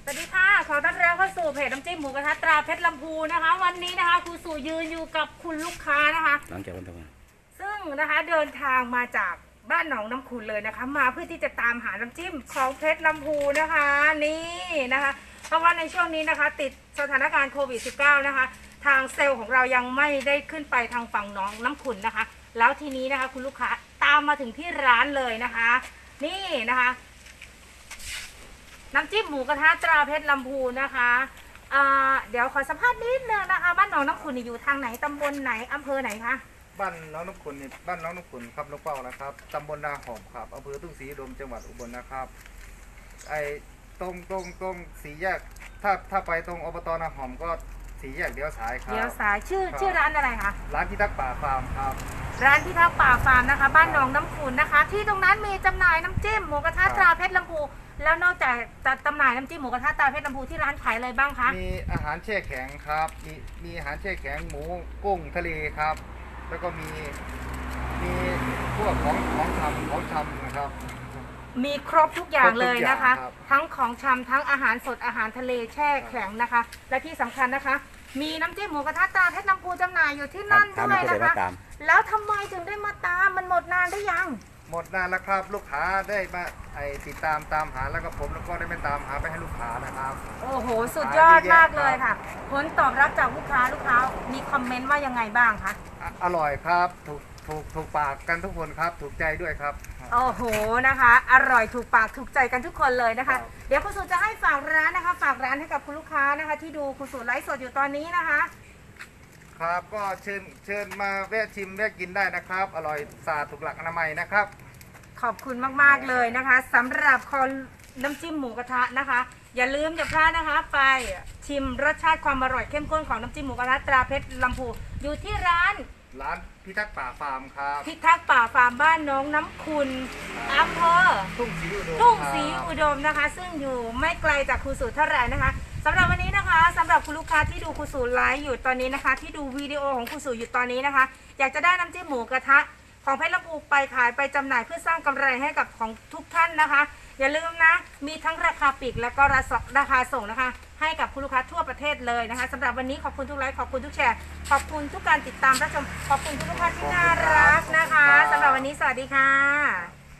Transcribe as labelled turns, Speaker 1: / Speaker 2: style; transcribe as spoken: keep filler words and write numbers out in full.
Speaker 1: สวัสดีค่ะขอต้อนรับเข้าสู่เพจน้ำจิ้มหมูกระทะตราเพชรลำพูนะคะวันนี้นะคะครูสู่ยืนอยู่กับคุณลูกค้านะคะ
Speaker 2: หลังจากวันทำงาน
Speaker 1: ซึ่งนะคะเดินทางมาจากบ้านหนองน้ำขุนเลยนะคะมาเพื่อที่จะตามหาน้ำจิ้มของเพชรลำพูนะคะนี่นะคะเพราะว่าในช่วงนี้นะคะติดสถานการณ์โควิด สิบเก้า นะคะทางเซลล์ของเรายังไม่ได้ขึ้นไปทางฝั่งหนองน้ำขุนนะคะแล้วทีนี้นะคะคุณลูกค้าตามมาถึงที่ร้านเลยนะคะนี่นะคะน้ำจิ้มหมูกระทะตราเพชรลำพูนะคะเอ่อเดี๋ยวขอสัมภาษณ์นิดนึงนะคะบ้านหนองน้ำขุนอยู่ทางไหนตำบลไหนอำเภอไหนคะ
Speaker 3: บ้านน้องน้ำขุนนี่บ้านน้องน้ำขุนครับลูกเป้านะครับตำบลนาหอมครับอำเภอทุ่งศรีอุดมจังหวัดอุบลนะครับไอ้ตรงตรงตรงสีแยกถ้าถ้าไปตรงอบตนาหอมก็สีแยกเลี้ยวซ้ายครับ
Speaker 1: เลี้ยวซ้ายชื่อชื่อร้านอะไรคะ
Speaker 3: ร้านพิทักษ์ป่าฟาร์มครับ
Speaker 1: ร้านพิทักษ์ป่าฟาร์มนะคะบ้านหนองน้ำขุนนะคะที่ตรงนั้นมีจำหน่ายน้ำจิ้มหมูกระทะตราเพชรลำพูแล้วนอกจากจะจำหน่ายน้ำจิ้มหมูกระทะตราเพชรลำพูที่ร้านขายอะไรบ้างคะ
Speaker 3: มีอาหารแช่แข็งครับมีมีอาหารแช่แข็งหมูกุ้งทะเลครับแล้วก็มีมีพวกของของชำของชำนะครับ
Speaker 1: มีครบทุกอย่างเลยนะคะ
Speaker 3: ครับ
Speaker 1: ทั้งของชำทั้งอาหารสดอาหารทะเลแช่แข็งนะคะและที่สำคัญนะคะมีน้ำจิ้มหมูกระทะตราเพชรลำพูจำหน่ายอยู่ที่นั่นด้วยนะคะแล้วทำไมถึงได้มาตามมันหมดนานได้ยัง
Speaker 3: หมดนานแล้วครับลูกค้าได้มาไอติดตามตามหาแล้วก็ผมแล้วก็ได้ไปตามหาไปให้ลูกค้านะครับ
Speaker 1: โอ้โหสุดยอดมากเลยค่ะผลตอบรับจากลูกค้าลูกค้ามีคอมเมนต์ว่ายังไงบ้างคะ
Speaker 3: อร่อยครับถูกถูกถูกปากกันทุกคนครับถูกใจด้วยครับ
Speaker 1: โอ้โหนะคะอร่อยถูกปากถูกใจกันทุกคนเลยนะคะเดี๋ยวคุณสุจะให้ฝากร้านนะคะฝากร้านให้กับคุณลูกค้านะคะที่ดูคุณสุไลฟ์สดอยู่ตอนนี้นะคะ
Speaker 3: ครับก็เชิญเชิญมาแวะชิมแวะกินได้นะครับอร่อยสะอาดถูกหลักอนามัยนะครับ
Speaker 1: ขอบคุณมากๆเลยนะคะสำหรับคอนน้ำจิ้มหมูกระทะนะคะอย่าลืมอย่าพลาดนะคะไปชิมรสชาติความอร่อยเข้มข้นของน้ำจิ้มหมูกระทะตราเพชรลำพูอยู่ที่ร้าน
Speaker 3: ร้านพิทักษ์ป่าฟาร์มครับ
Speaker 1: พิทักษ์ป่าฟาร์มบ้านน้องน้ำคุณอำเภอ
Speaker 3: ทุ่งศรีอุดม
Speaker 1: ทุ่งศรีอุดมนะคะซึ่งอยู่ไม่ไกลจากครูสูเท่าไหร่นะคะสำหรับวันนี้นะคะสำหรับคุณลูกค้าที่ดูครูสูไลฟ์อยู่ตอนนี้นะคะที่ดูวิดีโอของครูสูอยู่ตอนนี้นะคะอยากจะได้น้ำจิ้มหมูกระทะของเพชรลำพูไปขายไปจำหน่ายเพื่อสร้างกำไรให้กับของทุกท่านนะคะอย่าลืมนะมีทั้งราคาปลีกและก็ราคาส่งนะคะให้กับคุณลูกค้าทั่วประเทศเลยนะคะสำหรับวันนี้ขอบคุณทุกไลค์ขอบคุณทุกแชร์ขอบคุณทุกการติดตามรับชมขอบคุณทุกท่านที่น่ารักนะคะสำหรับวันนี้สวัสดีค่ะ